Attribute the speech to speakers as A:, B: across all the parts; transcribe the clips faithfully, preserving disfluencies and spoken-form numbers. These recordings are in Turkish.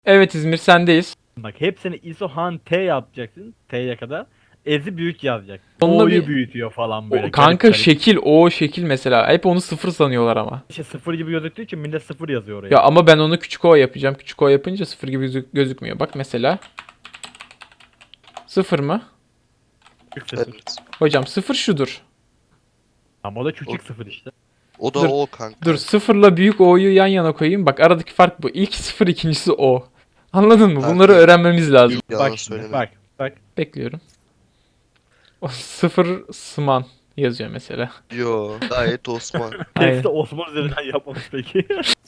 A: Evet İzmir sendeyiz.
B: Bak hepsini isohan T yapacaksın. T'ye kadar. Ezi büyük yazacak.
A: Onunla
B: O'yu
A: bir-
B: büyütüyor falan böyle.
A: O, kanka
B: garip garip.
A: şekil o şekil mesela. Hep onu sıfır sanıyorlar ama.
B: İşte sıfır gibi gözüktüğü için millet sıfır yazıyor oraya.
A: Ya ama ben onu küçük o yapacağım. Küçük o yapınca sıfır gibi gözük- gözükmüyor. Bak mesela. Sıfır mı?
B: Küçük sıfır.
C: Evet.
A: Hocam sıfır şudur.
B: Ama o da küçük
C: O-
B: sıfır işte.
C: O da
A: Dur,
C: o kanka.
A: Dur sıfırla büyük o'yu yan yana koyayım. Bak aradaki fark bu. İlk sıfır, ikincisi o. Anladın mı?
C: Kanka,
A: Bunları öğrenmemiz lazım.
C: Yalan
B: Bak şimdi
C: söyleme.
B: bak. Bak.
A: Bekliyorum. O sıfır sman yazıyor mesela.
C: Yo gayet Osman.
A: Aynen.
B: Tekste Osman üzerinden yapmamış peki.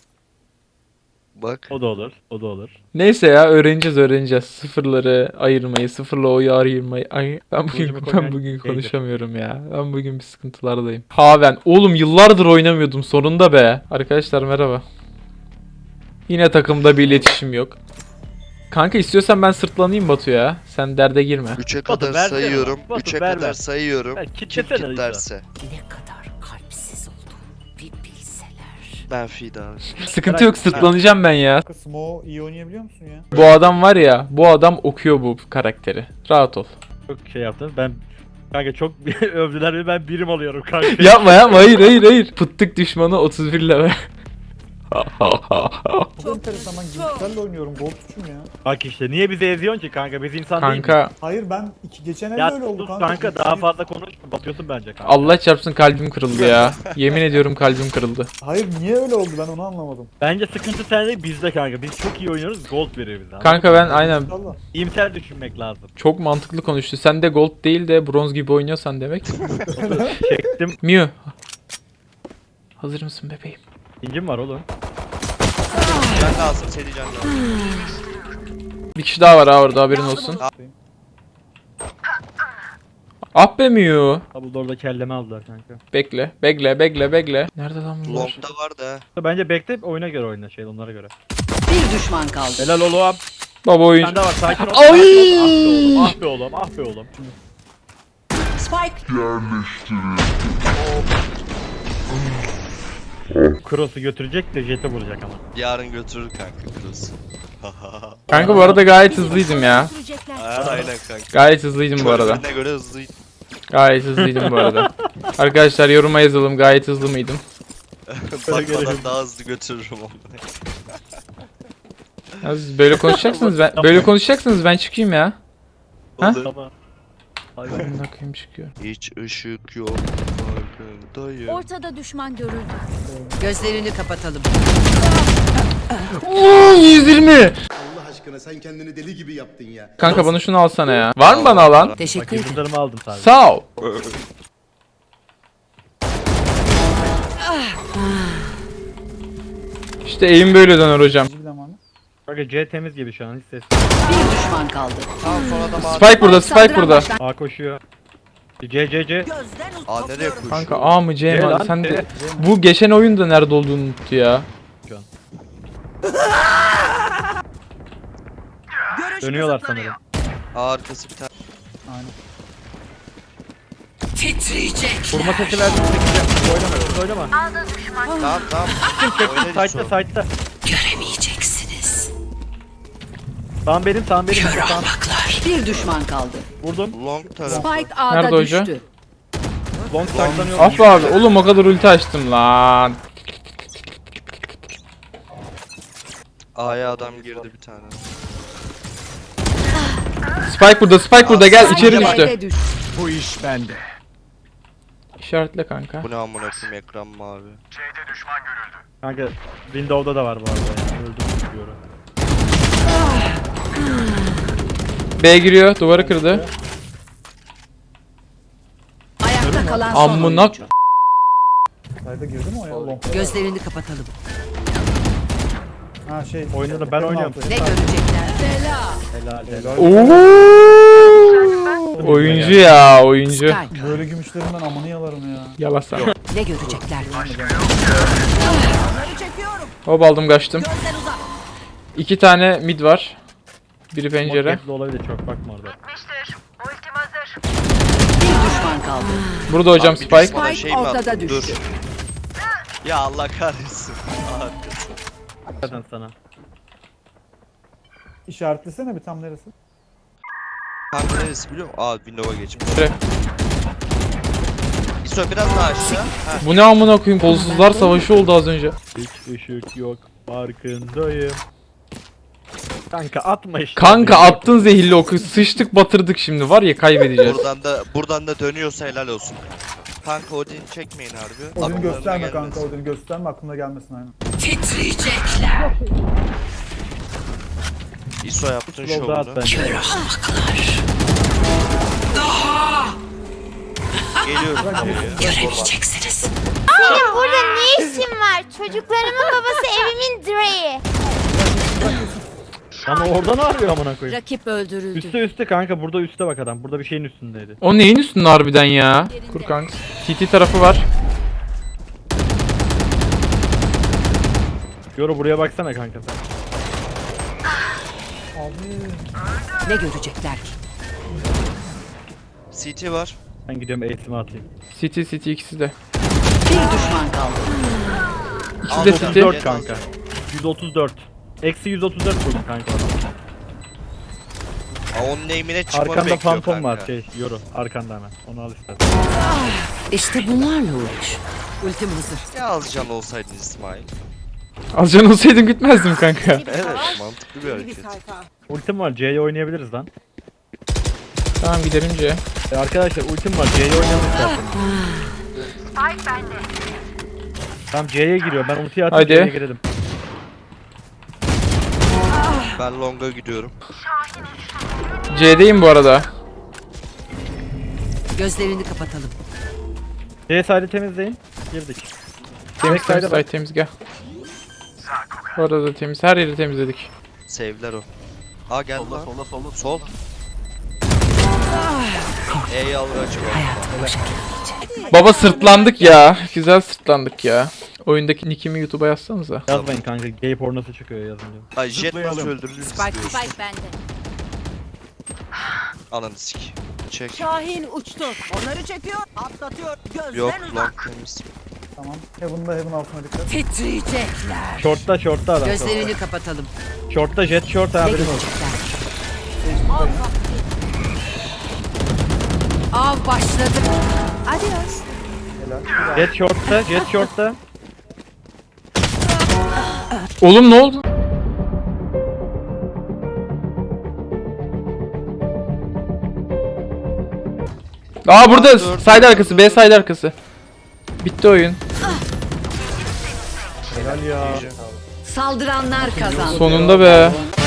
C: Bak.
B: O da olur. O da olur.
A: Neyse ya öğreneceğiz öğreneceğiz. Sıfırları ayırmayı, sıfırla o'yu ayırmayı. Ay, ben bugün
B: Kılıcımı
A: ben
B: koymayan
A: bugün
B: şeydir.
A: konuşamıyorum ya. Ben bugün bir sıkıntılardayım. Haven. Oğlum yıllardır oynamıyordum sonunda be. Arkadaşlar merhaba. Yine takımda bir iletişim yok. Kanka istiyorsan ben sırtlanayım Batu ya. Sen derde girme.
C: Üçe
B: Batu,
C: kadar
B: versene
C: sayıyorum.
B: bana. Batu,
C: Üçe
B: ver,
C: kadar
B: ver.
C: sayıyorum.
B: Ver,
C: Kim
B: kitlesene İsa.
C: kitlerse.
D: Ne kadar kalpsiz olduğunu bir bilseler.
C: Ben fida.
A: Sıkıntı yok sırtlanacağım ben ya.
E: Smo iyi oynayabiliyor musun ya?
A: Bu adam var ya, bu adam okuyor bu karakteri. Rahat ol.
B: Çok şey yaptın. Ben kanka çok övdüler ve ben birim alıyorum kanka.
A: Yapma yapma hayır hayır hayır. Pıttık düşmanı otuz bir level.
E: Çok enteresan, ben Gülsel'le oynuyorum, gol tuçum ya.
B: Bak işte niye bizi eziyorsun ki kanka? Biz insan değil
A: Kanka
E: Hayır, ben iki geçen elde
B: Ya
E: öyle oldu
B: sus
E: kanka.
B: kanka, daha fazla konuşma, batıyorsun bence kanka.
A: Allah çarpsın kalbim kırıldı ya. Yemin ediyorum kalbim kırıldı.
E: Hayır, niye öyle oldu, ben onu anlamadım.
B: Bence sıkıntı sende, bizde kanka. Biz çok iyi oynuyoruz, gold veriyor bize.
A: Kanka ben aynen
E: İnşallah.
B: İyimser düşünmek lazım.
A: çok mantıklı konuştu. Sen de gold değil de bronz gibi oynuyorsan demek.
B: Çektim.
A: Mew. Hazır mısın bebeğim?
B: İncim var oğlum.
C: Can lazım seni can lazım.
A: Bir kişi daha var ha orada haberin olsun. Ah be Mew.
B: Double door'da kelleme aldılar kanka.
A: Bekle, bekle, bekle, bekle. Nerede lan bunlar?
C: Long'da var da.
B: Bence bekle, oyuna göre oyna, şey onlara göre.
D: Bir düşman kaldı.
B: Helal oğlum.
A: Baba oyun.
B: Sende var, sakin ol.
A: Ay!
B: Ah be oğlum, ah be oğlum, ah be oğlum.
D: Spike
B: Cross'u götürecek de jet'e vuracak ama.
C: Yarın götürür kanka Cruz.
A: Kanka bu arada gayet hızlıydım ya.
C: Aynen kanka.
A: Gayet hızlıydım bu arada.
C: Körüne göre hızlıydı.
A: Gayet hızlıydım bu arada. Arkadaşlar yoruma yazalım gayet hızlı mıydım?
C: Bakmadan daha hızlı götürürüm onu.
A: Ya siz böyle konuşacaksınız ben böyle konuşacaksınız ben çıkayım ya. Ha?
C: Olur.
B: Tamam. Hadi.
A: Ben bakayım çıkıyor.
C: Hiç ışık yok. Farkındayım.
F: Ortada düşman görüldü.
D: gözlerini kapatalım.
A: Oo, yüz yirmi.
G: Allah aşkına sen kendini deli gibi yaptın ya.
A: Kanka bana şunu alsana ya. Var mı bana alan?
D: Teşekkür
B: Bak
D: ederim.
B: yıldızlarımı aldım sadece.
A: Sağ ol. İşte eğim böyle döner hocam.
E: Bir zamanı.
B: Kanka C temiz gibi şu an, hiç ses.
D: Bir düşman kaldı.
C: Tamam sonra da mavi.
A: Spike burada, Spike burada.
B: A koşuyor. C C C.
C: Aa nereye koşuyor?
A: Kanka A mı C
B: C
A: mi?
B: lan,
A: Sen
B: C.
A: de bu geçen oyunda nerede olduğunu unuttu ya.
B: Dönüyorlar sanırım.
C: Aa, arkası bir tane.
E: Aynen.
D: Titriyecek.
B: Vurma sesi verdim, çekeceğim. Siz oynama, siz oynama.
C: Tamam tamam. Oynarız
B: Side'da,
C: sonra.
B: side'da.
D: Göremeyeceksiniz.
B: Tamam benim, tamam benim.
D: Kör
B: Tamam.
D: ahmaklar. Bir düşman kaldı.
B: Vurdum.
C: Long taraf.
D: Spike A'da
A: Nerede hoca?
D: düştü.
B: Long saklanıyor.
A: Af abi oğlum o kadar ulti açtım lan.
C: A'ya adam girdi bir tane.
A: Spike burada, Spike burada gel içeri
D: Spike
A: düştü.
D: B'de düştü.
A: İşaretle kanka.
C: Bu ne amına koyayım ekran mavi.
B: Kanka Windows'da da var bu arada yani. Öldüm diyorum.
A: B giriyor, duvarı kırdı.
D: Ayakta kalan son
A: Amına
D: oyuncu.
E: Sayda girdi mi o ya? Long.
D: Gözlerini kapatalım.
E: Ha şey.
B: Oyunu da ben
E: ekranın
B: oynuyorum.
E: altı.
D: Ne görecekler? Bela.
B: Helal helal.
A: Oo! Oyuncu ya, oyuncu.
D: Sky.
E: Böyle gümüşlerin ben amını yalarım ya.
A: Yalasa.
D: Ne görecekler?
A: Hop aldım kaçtım. İki tane mid var. Biri pencere.
B: Marketli olabilir, çok bakma orada.
D: Bir düşman kaldı.
A: Burada hocam
C: Abi bir
A: Spike.
C: düşmana şey mi
D: ortada
C: attın?
D: düştü.
C: Dur. Ya Allah kahretsin. Arkası.
B: Zaten sana.
E: İşaretlesene bir tam neresi?
C: Kanka neresi biliyor musun? Aa Windows'a geçmiş.
A: Şuraya.
C: İso biraz daha aşağı. Ha.
A: Bu ne amına koyayım? Kolsuzlar savaşı oldu az önce.
B: Hiç ışık yok. Farkındayım. Kanka atma işte.
A: Kanka attın zehirli oku. Sıçtık batırdık şimdi var ya kaybedeceğiz.
C: Buradan da buradan da dönüyorsa helal olsun. Kanka Odin çekmeyin harbi.
E: Odin'i
C: Adamlarına
E: gösterme kanka,
C: gelmesin.
E: Odin'i gösterme, aklına gelmesin aynen.
D: Titriyecekler.
C: İso yaptın
B: Slow'da at
C: şovunu.
B: bence.
C: Geliyorum.
D: Göremeyeceksiniz.
F: Senin burada ne işin var? Çocuklarımın babası evimin direği.
B: Lan oradan arıyor amına koyayım.
D: Rakip öldürüldü.
B: Üste üste kanka, burada üste bak adam. Burada bir şeyin üstündeydi.
A: O neyin üstünde harbiden ya? Kur kanka. T T tarafı var.
B: Yoro buraya baksana kanka sen.
D: Ne görecekler ki?
C: C T var.
B: Ben gidiyorum eğitime atayım.
A: City City ikisi de.
D: Bir düşman kaldı.
A: İkisi de
C: Aldım.
A: City.
B: dört kanka. yüz otuz dört. Eksi yüz otuz dört vurdum kanka.
C: Aa, onun name'ine çıkmanı
B: Arkanda
C: bekliyor
B: fantom
C: kanka.
B: var şey Yoro. Arkanda hemen. Onu al istersen.
D: İşte bunlarla uğraş. Ultim hazır.
C: Ya az can olsaydın İsmail.
A: Az can olsaydım gitmezdim kanka.
C: Evet mantıklı bir hareket.
B: Ultim var, C'ye oynayabiliriz lan.
A: Tamam gidelim C.
B: E arkadaşlar ultim var, C'ye oynayalım isterseniz. Tamam C'ye giriyor. Ben ultiyi atıp
A: Hadi.
B: C'ye girelim.
C: Ben long'a gidiyorum.
A: C'deyim bu arada.
D: Gözlerini kapatalım.
B: C side'ı temizleyin. Girdik.
A: Temiz
B: Backside'a
A: temiz
B: bak.
A: site temiz gel. Orada da temiz. Her yeri temizledik.
C: Save'ler o. Aa geldi lan. Solda solda Sol. E'yi alır açık ol.
D: Hayatım bu şekilde geçecek.
A: Baba sırtlandık ya. Güzel sırtlandık ya. Oyundaki nickimi YouTube'a yazsanıza.
B: Yazmayın kanka. Gay pornosu çıkıyor yazınca.
C: Ay jet nasıl öldürülür
D: Spike
C: istiyorsun.
D: Spike bende.
C: Ananı sik. Çek.
D: Şahin uçtu. Onları çekiyor, atlatıyor. Gözden
C: Yok
D: uzak.
C: long temiz.
E: Tamam. Heaven'da, Heaven altına dikkat.
D: Titriyecekler.
B: Short'ta short'ta adam.
D: Gözlerini kapatalım.
B: Short'ta jet short
D: Ne
B: haberin olsun.
D: görecekler? Av başladı. Adios.
E: Helal.
B: Jet short'ta, jet short'ta.
A: Oğlum ne oldu? Aa burada
C: Dur.
A: side arkası, B side arkası. Bitti oyun.
B: Helal ya.
D: Saldıranlar kazandı.
A: Sonunda be.